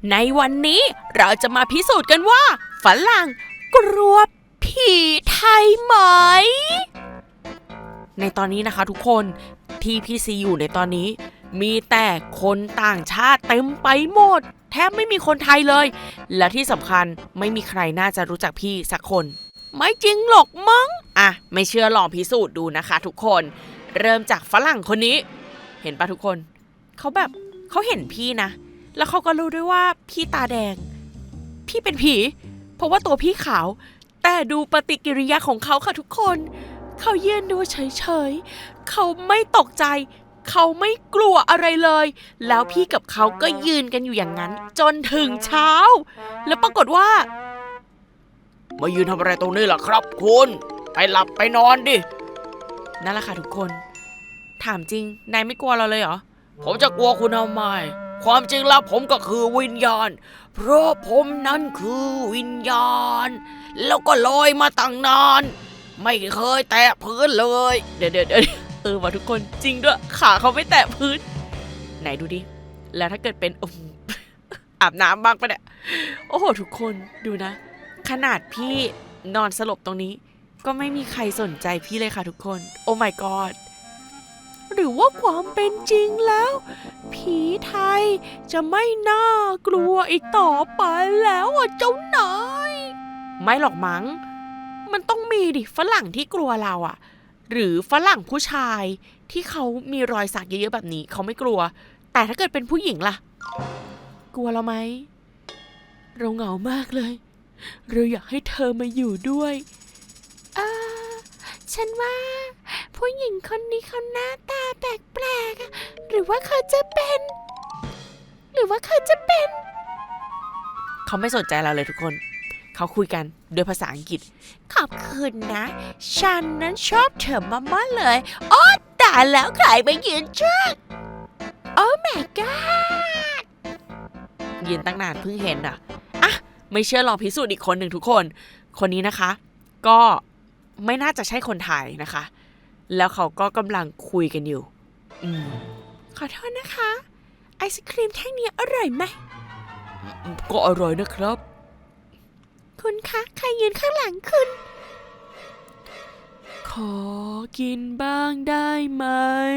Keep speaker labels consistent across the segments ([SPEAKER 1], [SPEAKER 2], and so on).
[SPEAKER 1] ในวันนี้เราจะมาพิสูจน์กันว่าฝรั่งกลัวผีไทยไหมในตอนนี้นะคะทุกคนที่พี่ซีอยู่ในตอนนี้มีแต่คนต่างชาติเต็มไปหมดแทบไม่มีคนไทยเลยและที่สำคัญไม่มีใครน่าจะรู้จักพี่สักคนไม่จริงหรอกมั้งไม่เชื่อลองพิสูจน์ดูนะคะทุกคนเริ่มจากฝรั่งคนนี้เห็นปะทุกคนเขาเห็นพี่นะแล้วเขาก็รู้ด้วยว่าพี่ตาแดงพี่เป็นผีเพราะว่าตัวพี่ขาวแต่ดูปฏิกิริยาของเขาค่ะทุกคนเขายืนดูเฉยๆเขาไม่ตกใจเขาไม่กลัวอะไรเลยแล้วพี่กับเขาก็ยืนกันอยู่อย่างนั้นจนถึงเช้าแล้วปรากฏว่ามายืนทำอะไรตรงนี้ล่ะครับคุณไปหลับไปนอนดินั่นแหละค่ะทุกคนถามจริงนายไม่กลัวเราเลยเหรอผมจะกลัวคุณทำไมความจริงแล้วผมก็คือวิญญาณเพราะผมนั้นคือวิญญาณแล้วก็ลอยมาตั้งนานไม่เคยแตะพื้นเลยเดี๋ยวมาทุกคนจริงด้วยขาเขาไม่แตะพื้นไหนดูดิแล้วถ้าเกิดเป็นอาบน้ำบ้างปะเนี่ยโอ้โหทุกคนดูนะขนาดพี่นอนสลบตรงนี้ก็ไม่มีใครสนใจพี่เลยค่ะทุกคนโอ้ my god หรือว่าความเป็นจริงแล้วผีไทยจะไม่น่ากลัวอีกต่อไปแล้วเจ้านายไม่หรอกมั้งมันต้องมีดิฝรั่งที่กลัวเราหรือฝรั่งผู้ชายที่เขามีรอยสักเยอะๆแบบนี้เขาไม่กลัวแต่ถ้าเกิดเป็นผู้หญิงล่ะกลัวเราไหมเราเหงามากเลยเราอยากให้เธอมาอยู่ด้วยฉันว่าผู้หญิงคนนี้เขาหน้าตาแปลกๆหรือว่าเขาจะเป็นเขาไม่สนใจเราเลยทุกคนเขาคุยกันด้วยภาษาอังกฤษขอบคุณนะฉันนั้นชอบเธอมากๆเลยโอ้ตายแล้วใครมายืนจ้าโอ้ my god ยืนตั้งนานเพิ่งเห็นไม่เชื่อลองพิสูจน์อีกคนหนึ่งทุกคนคนนี้นะคะก็ไม่น่าจะใช่คนไทยนะคะแล้วเขาก็กำลังคุยกันอยู่ขอโทษนะคะไอศครีมแท่งนี้อร่อยไหมก็อร่อยนะครับคุณคะใครยืนข้างหลังคุณขอกินบ้างได้ไหม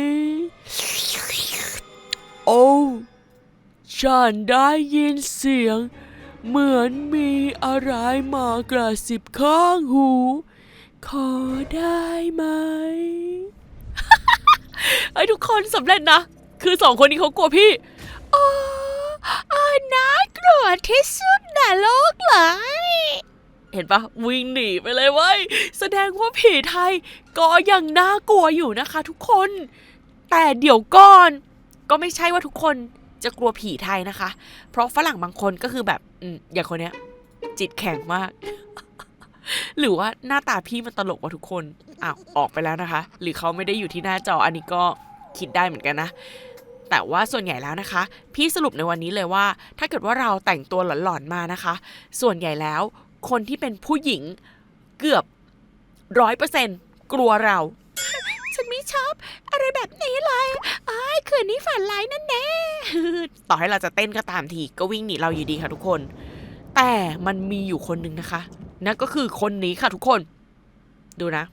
[SPEAKER 1] โอ้ฉันได้ยินเสียงเหมือนมีอะไรมากระซิบข้างหูขอได้ไหม ไอ้ทุกคนสำเร็จนะคือสองคนนี้เขากลัวพี่น่ากลัวที่สุดในโลกเลยเห็นปะวิ่งหนีไปเลยเว้ยแสดงว่าผีไทยก็ยังน่ากลัวอยู่นะคะทุกคนแต่เดี๋ยวก่อนก็ไม่ใช่ว่าทุกคนจะกลัวผีไทยนะคะเพราะฝรั่งบางคนก็คือแบบอย่างคนเนี้ยจิตแข็งมาก หรือว่าหน้าตาพี่มันตลกกว่าทุกคนออกไปแล้วนะคะหรือเขาไม่ได้อยู่ที่หน้าจออันนี้ก็คิดได้เหมือนกันนะแต่ว่าส่วนใหญ่แล้วนะคะพี่สรุปในวันนี้เลยว่าถ้าเกิดว่าเราแต่งตัวหลอนๆมานะคะส่วนใหญ่แล้วคนที่เป็นผู้หญิงเกือบ 100% กลัวเราฉันไม่ชอบอะไรแบบนี้เลยคืนนี้ฝันร้ายนั่นแน่ ต่อให้เราจะเต้นก็ตามทีก็วิ่งหนีเราอยู่ดีค่ะทุกคนแต่มันมีอยู่คนหนึ่งนะคะนั่นก็คือคนนี้ค่ะทุกคนดูนะ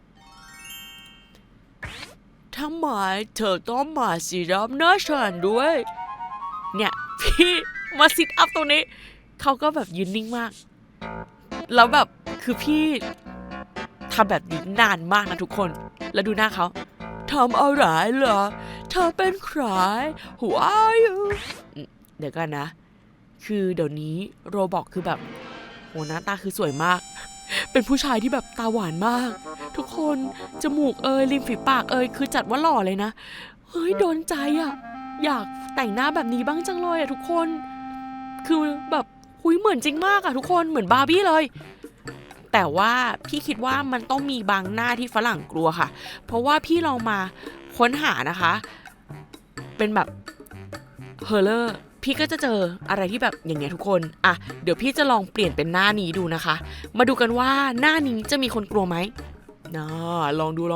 [SPEAKER 1] ทำไมเธอต้องมาซิทอัพหน้าฉันด้วยเนี่ยพี่มาซิทอัพตรงนี้เขาก็แบบยืนนิ่งมากแล้วแบบคือพี่ทำแบบนี้นานมากนะทุกคนแล้วดูหน้าเขาทำอะไรเหรอเธอเป็นใคร Who are you เดี๋ยวกันนะคือเดี๋ยวนี้โรบอกคือแบบโหหน้าตาคือสวยมากเป็นผู้ชายที่แบบตาหวานมากทุกคนจมูกริมฝีปากคือจัดว่าหล่อเลยนะเฮ้ยโดนใจอยากแต่งหน้าแบบนี้บ้างจังเลยทุกคนคือแบบเหมือนจริงมากทุกคนเหมือนบาร์บี้เลยแต่ว่าพี่คิดว่ามันต้องมีบางหน้าที่ฝรั่งกลัวค่ะเพราะว่าพี่ลองมาค้นหานะคะเป็นแบบเฮอร์เลอร์พี่ก็จะเจออะไรที่แบบอย่างเงี้ยทุกคนเดี๋ยวพี่จะลองเปลี่ยนเป็นหน้านี้ดูนะคะมาดูกันว่าหน้านี้จะมีคนกลัวไหมลองดู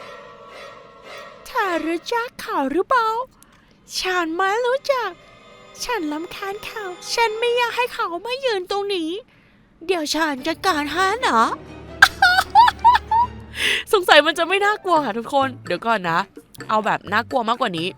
[SPEAKER 1] เธอรู้จักเขาหรือเปล่าฉันไม่รู้จักฉันรำคาญเขาฉันไม่อยากให้เขามายืนตรงนี้เดี๋ยวฉันจัดการให้เนาะ สงสัยมันจะไม่น่ากลัวค่ะทุกคนเดี๋ยวก่อนนะเอาแบบน่ากลัวมากกว่านี้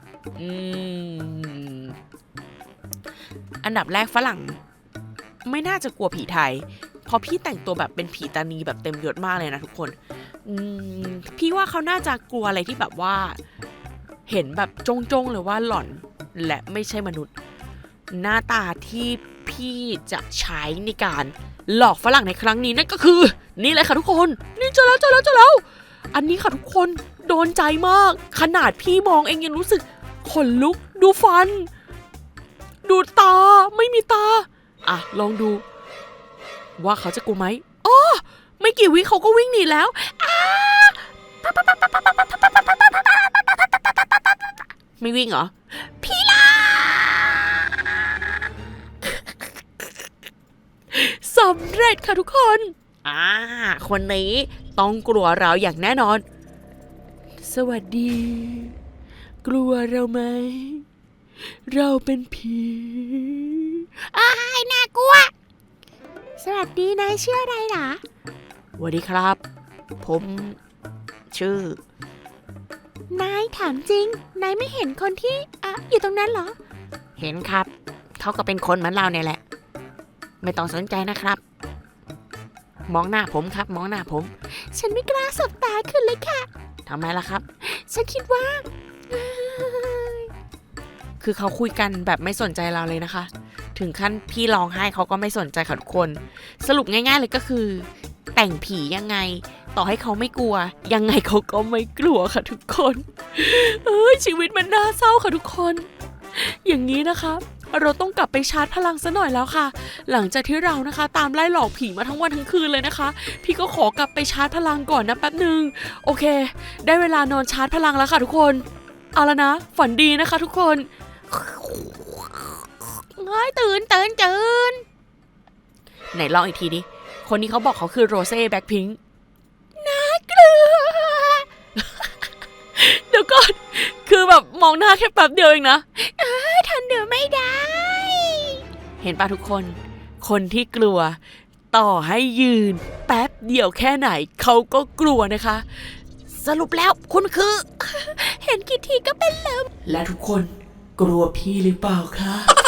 [SPEAKER 1] อันดับแรกฝรั่งไม่น่าจะกลัวผีไทยเพราะพี่แต่งตัวแบบเป็นผีตานีแบบเต็มยศมากเลยนะทุกคนพี่ว่าเขาน่าจะกลัวอะไรที่แบบว่าเห็นแบบจงๆเลยว่าหล่อนและไม่ใช่มนุษย์หน้าตาที่พี่จะใช้ในการหลอกฝรั่งในครั้งนี้นั่นก็คือนี่เลยค่ะทุกคนนี่เจอแล้วอันนี้ค่ะทุกคนโดนใจมากขนาดพี่มองเองยังรู้สึกขนลุกดูฟันดูตาไม่มีตาอ่ะลองดูว่าเขาจะกลัวไหมอ๋อไม่กี่วิเขาก็วิ่งหนีแล้วไม่วิ่งเหรอพี่ลาสำเร็จค่ะทุกคนคนนี้ต้องกลัวเราอย่างแน่นอนสวัสดีกลัวเราไหมเราเป็นผีน่ากลัวสวัสดีนายชื่ออะไรหรอสวัสดีครับผมชื่อนายถามจริงนายไม่เห็นคนที่อยู่ตรงนั้นเหรอเห็นครับเขาก็เป็นคนเหมือนเราเนี่ยแหละไม่ต้องสนใจนะครับมองหน้าผมครับมองหน้าผมฉันไม่กล้าสบตาขึ้นเลยค่ะทำไมล่ะครับฉันคิดว่าคือเขาคุยกันแบบไม่สนใจเราเลยนะคะถึงขั้นพี่ร้องไห้เขาก็ไม่สนใจค่ะทุกคนสรุปง่ายๆเลยก็คือแต่งผียังไงต่อให้เขาไม่กลัวยังไงเขาก็ไม่กลัวค่ะทุกคนชีวิตมันน่าเศร้าค่ะทุกคนอย่างนี้นะคะเราต้องกลับไปชาร์จพลังซะหน่อยแล้วค่ะหลังจากที่เรานะคะตามไล่หลอกผีมาทั้งวันทั้งคืนเลยนะคะพี่ก็ขอกลับไปชาร์จพลังก่อนนะแป๊บนึงโอเคได้เวลานอนชาร์จพลังแล้วค่ะทุกคนเอาละนะฝันดีนะคะทุกคนเฮ้ยตื่นไหนลองอีกทีดิคนนี้เขาบอกเขาคือโรเซ่แบ็คพิงค์น่ากลัว เดี๋ยวก่อนคือแบบมองหน้าแค่แป๊บเดียวเองนะทันเดี๋ยวไม่ได้เห็นป่ะทุกคนคนที่กลัวต่อให้ยืนแป๊บเดียวแค่ไหนเขาก็กลัวนะคะสรุปแล้วคุณคือ เห็นกี่ทีก็เป็นลมและทุกคนกลัวพี่หรือเปล่าคะ